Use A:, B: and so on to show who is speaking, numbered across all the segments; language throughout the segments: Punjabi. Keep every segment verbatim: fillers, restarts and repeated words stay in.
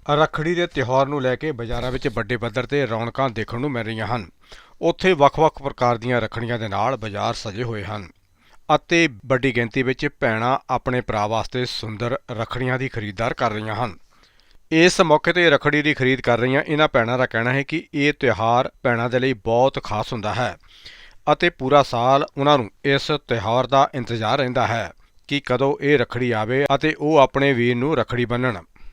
A: ਰੱਖੜੀ ਦੇ ਤਿਉਹਾਰ ਨੂੰ ਲੈ ਕੇ ਬਾਜ਼ਾਰਾਂ ਵਿੱਚ ਵੱਡੇ ਪੱਧਰ ਤੇ ਰੌਣਕਾਂ ਦੇਖਣ ਨੂੰ ਮਿਲ ਰਹੀਆਂ ਹਨ। ਉੱਥੇ ਵੱਖ-ਵੱਖ ਪ੍ਰਕਾਰ ਦੀਆਂ ਰੱਖੜੀਆਂ ਦੇ ਨਾਲ ਬਾਜ਼ਾਰ ਸਜੇ ਹੋਏ ਹਨ ਅਤੇ ਵੱਡੀ ਗਿਣਤੀ ਵਿੱਚ ਭੈਣਾਂ ਆਪਣੇ ਭਰਾ ਵਾਸਤੇ ਸੁੰਦਰ ਰੱਖੜੀਆਂ ਦੀ ਖਰੀਦਦਾਰ ਕਰ ਰਹੀਆਂ ਹਨ। ਇਸ ਮੌਕੇ ਤੇ ਰੱਖੜੀ ਦੀ ਖਰੀਦ ਕਰ ਰਹੀਆਂ ਇਹਨਾਂ ਭੈਣਾਂ ਦਾ ਕਹਿਣਾ ਹੈ ਕਿ ਇਹ ਤਿਉਹਾਰ ਭੈਣਾਂ ਦੇ ਲਈ ਬਹੁਤ ਖਾਸ ਹੁੰਦਾ ਹੈ ਅਤੇ ਪੂਰਾ ਸਾਲ ਉਹਨਾਂ ਨੂੰ ਇਸ ਤਿਉਹਾਰ ਦਾ ਇੰਤਜ਼ਾਰ ਰਹਿੰਦਾ ਹੈ ਕਿ ਕਦੋਂ ਇਹ ਰੱਖੜੀ ਆਵੇ ਅਤੇ ਉਹ ਆਪਣੇ ਵੀਰ ਨੂੰ ਰੱਖੜੀ ਬੰਨ੍ਹਣ।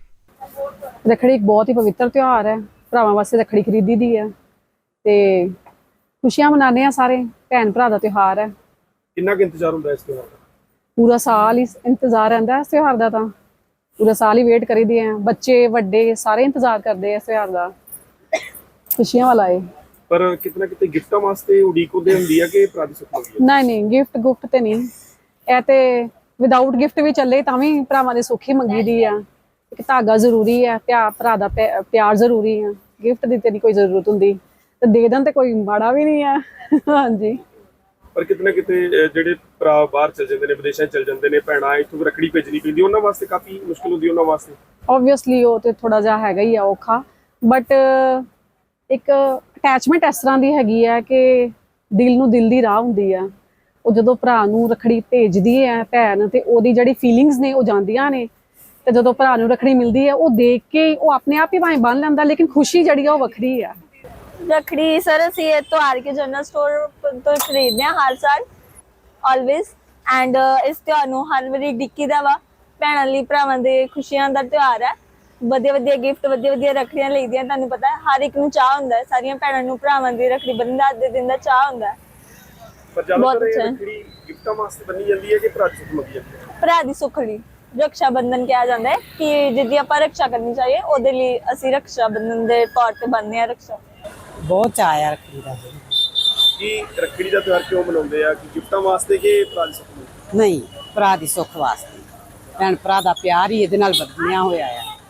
B: ਰੱਖੜੀ ਇੱਕ ਬਹੁਤ ਹੀ ਪਵਿੱਤਰ ਤਿਉਹਾਰ ਹੈ। ਭਰਾਵਾਂ ਵਾਸਤੇ ਰੱਖੜੀ ਖਰੀਦੀ ਦੀ ਹੈ ਤੇ ਖੁਸ਼ੀਆਂ ਮਨਾਉਂਦੇ ਆ ਸਾਰੇ। ਭੈਣ ਭਰਾ ਦਾ ਤਿਉਹਾਰ ਹੈ।
C: ਕਿੰਨਾ ਕੁ ਇੰਤਜ਼ਾਰ ਹੁੰਦਾ ਇਸ ਤਿਉਹਾਰ ਦਾ?
B: ਪੂਰਾ ਸਾਲ ਹੀ ਇੰਤਜ਼ਾਰ ਰਹਿੰਦਾ ਇਸ ਤਿਉਹਾਰ ਦਾ। ਤਾਂ ਪੂਰਾ ਸਾਲ ਹੀ ਵੇਟ ਕਰੀਦੀ ਹੈ। ਬੱਚੇ ਵੱਡੇ ਸਾਰੇ ਇੰਤਜ਼ਾਰ ਕਰਦੇ ਆ ਇਸ ਤਿਉਹਾਰ ਦਾ। ਖੁਸ਼ੀਆਂ ਵਾਲਾ ਹੈ।
C: ਪਰ ਕਿਤਨਾ ਕਿਤੇ ਗਿਫਟਾਂ ਵਾਸਤੇ ਉਡੀਕ ਹੁੰਦੇ ਹੁੰਦੀ ਹੈ ਕਿ ਭਰਾ ਦੀ ਸੁੱਖ ਮੰਗੀ ਹੈ?
B: ਨਹੀਂ ਨਹੀਂ, ਗਿਫਟ ਗੁਫਟ ਤੇ ਨਹੀਂ। ਇਹ ਤੇ ਵਿਦਆਊਟ ਗਿਫਟ ਵੀ ਚੱਲੇ ਤਾਂ ਵੀ ਭਰਾਵਾਂ ਦੀ ਸੁੱਖ ਹੀ ਮੰਗੀ ਦੀ ਆ। ਇੱਕ ਧਾਗਾ ਜ਼ਰੂਰੀ ਹੈ, ਪਿਆਰ ਭਰਾ ਦਾ ਪਿਆਰ ਜ਼ਰੂਰੀ ਹੈ। ਗਿਫਟ ਦੀ ਤੇ ਨਹੀਂ ਕੋਈ ਜ਼ਰੂਰਤ ਹੁੰਦੀ ਤੇ ਦੇ ਦੇਣ ਤੇ ਕੋਈ ਮਾੜਾ ਵੀ ਨਹੀਂ ਹੈ। ਹਾਂਜੀ,
C: ਪਰ ਕਿਤਨਾ ਕਿਤੇ ਜਿਹੜੇ ਭਰਾ ਬਾਹਰ ਚਲ ਜਾਂਦੇ ਨੇ, ਵਿਦੇਸ਼ਾਂ ਚਲ ਜਾਂਦੇ ਨੇ, ਭੈਣਾਂ ਇੱਥੋਂ ਰੱਖੜੀ ਭੇਜਣੀ ਪੈਂਦੀ, ਉਹਨਾਂ ਵਾਸਤੇ ਕਾਫੀ ਮੁਸ਼ਕਿਲ ਹੁੰਦੀ ਉਹਨਾਂ ਵਾਸਤੇ।
B: ਓਬਵੀਅਸਲੀ ਉਹ ਤੇ ਥੋੜਾ ਜਿਹਾ ਹੈਗਾ ਹੀ ਆ ਔਖਾ, ਬਟ ਇੱਕ ਅਟੈਚਮੈਂਟ ਇਸ ਤਰ੍ਹਾਂ ਦੀ ਹੈਗੀ ਹੈ ਕਿ ਦਿਲ ਨੂੰ ਦਿਲ ਦੀ ਰਾਹ ਹੁੰਦੀ ਆ। ਉਹ ਜਦੋਂ ਭਰਾ ਨੂੰ ਰੱਖੜੀ ਭੇਜਦੀ ਹੈ ਭੈਣ ਤੇ ਉਹਦੀ ਜਿਹੜੀ ਫੀਲਿੰਗਸ ਨੇ ਉਹ ਜਾਂਦੀਆਂ ਨੇ ਤੇ ਜਦੋਂ ਭਰਾ ਨੂੰ ਰੱਖੜੀ ਮਿਲਦੀ ਹੈ ਉਹ ਦੇਖ ਕੇ ਉਹ ਆਪਣੇ ਆਪ ਹੀ ਭਾਵੇਂ ਬੰਨ ਲੈਂਦਾ, ਲੇਕਿਨ ਖੁਸ਼ੀ ਜਿਹੜੀ ਆ ਉਹ ਵੱਖਰੀ ਆ।
D: ਰੱਖੜੀ ਸਰ ਅਸੀਂ ਇਹ ਤੋਂ ਆਰ ਕੇ ਜਨਰਲ ਸਟੋਰ ਤੋਂ ਖਰੀਦਦੇ ਹਾਂ ਹਰ ਸਾਲ ਆਲਵੇਜ਼। ਐਂਡ ਇਸ ਤਿਉਹਾਰ ਨੂੰ ਹਰ ਵਾਰੀ ਡਿੱਕੀ ਦਾ ਵਾ। ਭੈਣਾਂ ਲਈ ਭਰਾਵਾਂ ਦੇ ਖੁਸ਼ੀਆਂ ਦਾ ਤਿਉਹਾਰ ਹੈ। ਵਧੀਆ ਵਧੀਆ ਗਿਫਟ, ਵਧੀਆ ਵਧੀਆ ਰੱਖੜੀਆਂ ਲਈਦੀਆਂ। ਤੁਹਾਨੂੰ ਪਤਾ ਹੈ ਹਰ ਇੱਕ ਨੂੰ ਚਾਹ ਹੁੰਦਾ ਹੈ, ਸਾਰੀਆਂ ਭੈਣਾਂ ਨੂੰ ਭਰਾਵਾਂ ਦੀ ਰੱਖੜੀ ਬੰਨ੍ਹਣ ਦਾ ਦੇ ਦਿਨ ਦਾ ਚਾਹ ਹੁੰਦਾ ਹੈ।
C: ਪਰ ਜ਼ਿਆਦਾਤਰ ਇਹ ਰੱਖੜੀ ਗਿਫਟਾਂ ਵਾਸਤੇ ਬੰਨੀ ਜਾਂਦੀ ਹੈ ਕਿ ਭਰਾ ਦੀ ਸੁੱਖ ਮੰਗੀ ਜਾਂਦੀ ਹੈ?
D: ਭਰਾ ਦੀ ਸੁੱਖੜੀ रक्षा बंधन किया जाता है कि जिद्दी आप रक्षा करनी चाहिए ਉਹਦੇ ਲਈ ਅਸੀਂ रक्षा बंधन ਦੇ ਤੌਰ ਤੇ ਬੰਨ੍ਹਦੇ ਆ ਰੱਖਿਆ।
E: ਬਹੁਤ ਚਾਅ ਆ ਰੱਖੜੀ ਦਾ।
C: ਕੀ ਰੱਖੜੀ ਦਾ ਤਿਉਹਾਰ ਕਿਉਂ ਮਨਾਉਂਦੇ ਆ? ਕਿ ਗਿਫਟਾਂ ਵਾਸਤੇ ਕਿ ਭਰਾ ਦੀ ਸੁੱਖ ਲਈ?
E: ਨਹੀਂ, ਭਰਾ ਦੀ ਸੁੱਖ ਵਾਸਤੇ। ਭੈਣ ਭਰਾ ਦਾ ਪਿਆਰ ਹੀ ਇਹਦੇ ਨਾਲ ਵਧਿਆ ਹੋਇਆ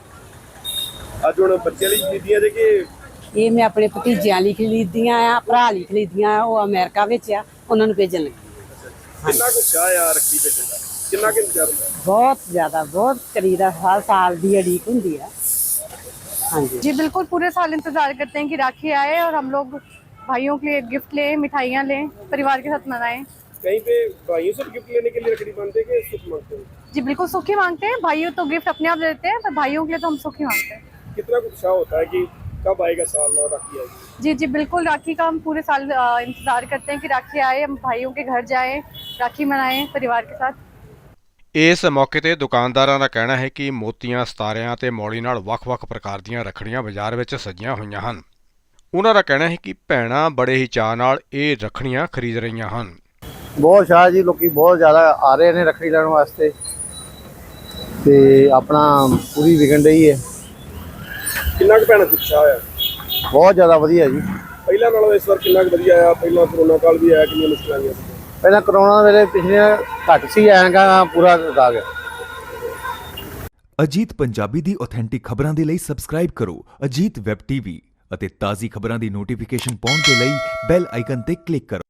E: ਆ।
C: ਅੱਜ ਹੁਣ ਬੱਚਿਆਂ ਲਈ ਖਰੀਦੀਆਂ ਜੇ ਕਿ
E: ਇਹ ਮੈਂ ਆਪਣੇ ਭਤੀਜਿਆਂ ਲਈ ਖਰੀਦੀਆਂ ਆ, ਭਰਾ ਲਈ ਖਰੀਦੀਆਂ ਆ। ਉਹ ਅਮਰੀਕਾ ਵਿੱਚ ਆ, ਉਹਨਾਂ ਨੂੰ ਭੇਜਣ ਲੱਗੀ।
C: ਕਿੰਨਾ ਕੁ ਚਾਅ ਆ ਰੱਖੜੀ ਭੇਜਣ ਦਾ? ਕਿੰਨਾ ਕੁ ਇੰਤਜ਼ਾਰ ਹੁੰਦਾ?
E: बहुत ज्यादा, बहुत करीदा हर साल की अड़ीक होती है। हाँ जी
F: जी बिल्कुल, पूरे साल इंतजार करते हैं कि राखी आए और हम लोग भाइयों के लिए गिफ्ट लें, मिठाइयाँ लें, परिवार के साथ मनाएं।
C: कहीं पे भाइयों से गिफ्ट लेने के लिए रखड़ी बांधते हैं कि सुख मांगते हैं?
F: जी बिल्कुल, सुख ही मांगते हैं। भाइयों तो गिफ्ट अपने आप देते हैं, पर भाइयों के लिए तो हम सुख ही मांगते हैं।
C: कितना कुछ उत्साह होता है कि कब आएगा साल और राखी आएगी?
F: जी जी बिल्कुल, राखी का हम पूरे साल इंतजार करते हैं कि राखी आए, हम भाइयों के घर जाएं, राखी मनाएं परिवार के साथ।
A: ਇਸ ਮੌਕੇ ਤੇ ਦੁਕਾਨਦਾਰਾਂ ਦਾ ਕਹਿਣਾ ਹੈ ਕਿ ਮੋਤੀਆਂ, ਸਿਤਾਰਿਆਂ ਤੇ ਮੌਲੀ ਨਾਲ ਵੱਖ-ਵੱਖ ਪ੍ਰਕਾਰ ਦੀਆਂ ਰੱਖੜੀਆਂ ਬਾਜ਼ਾਰ ਵਿੱਚ ਸਜੀਆਂ ਹੋਈਆਂ ਹਨ। ਉਹਨਾਂ ਦਾ ਕਹਿਣਾ ਹੈ ਕਿ ਭੈਣਾਂ ਬੜੇ ਹੀ ਚਾਅ ਨਾਲ ਇਹ ਰੱਖੜੀਆਂ ਖਰੀਦ ਰਹੀਆਂ ਹਨ।
G: ਬਹੁਤ ਸ਼ਾਹ ਜੀ, ਲੋਕੀ ਬਹੁਤ ਜ਼ਿਆਦਾ ਆ ਰਹੇ ਨੇ ਰੱਖੜੀ ਲੈਣ ਵਾਸਤੇ ਤੇ ਆਪਣਾ ਪੂਰੀ ਵਿਕਣ ਰਹੀ ਹੈ।
C: ਕਿੰਨਾ ਕੁ ਭੈਣਾਂ ਦਾ ਉਤਸ਼ਾਹ ਆ?
G: ਬਹੁਤ ਜ਼ਿਆਦਾ ਵਧੀਆ ਜੀ।
C: ਪਹਿਲਾਂ ਨਾਲੋਂ ਇਸ ਵਾਰ ਕਿੰਨਾ ਕੁ ਵਧੀਆ ਆ? ਪਹਿਲਾਂ ਕਰੋਨਾ ਕਾਲ ਵੀ ਆਇਆ, ਕਿੰਨੀਆਂ ਮੁਸ਼ਕਲਾਂ ਆਈਆਂ?
G: ਪਹਿਲਾਂ ਕਰੋਨਾ ਵੇਲੇ ਪਿਛਲੇ ਘੱਟ ਸੀ, ਐਂਗਾ ਪੂਰਾ ਆ ਗਿਆ।
H: ਅਜੀਤ ਪੰਜਾਬੀ ਦੀ ਆਥੈਂਟਿਕ ਖਬਰਾਂ ਦੇ ਲਈ ਸਬਸਕ੍ਰਾਈਬ ਕਰੋ ਅਜੀਤ ਵੈਬ ਟੀਵੀ ਅਤੇ ਤਾਜ਼ੀ ਖਬਰਾਂ ਦੀ ਨੋਟੀਫਿਕੇਸ਼ਨ ਪਾਉਣ ਦੇ ਲਈ ਬੈਲ ਆਈਕਨ ਤੇ ਕਲਿੱਕ ਕਰੋ।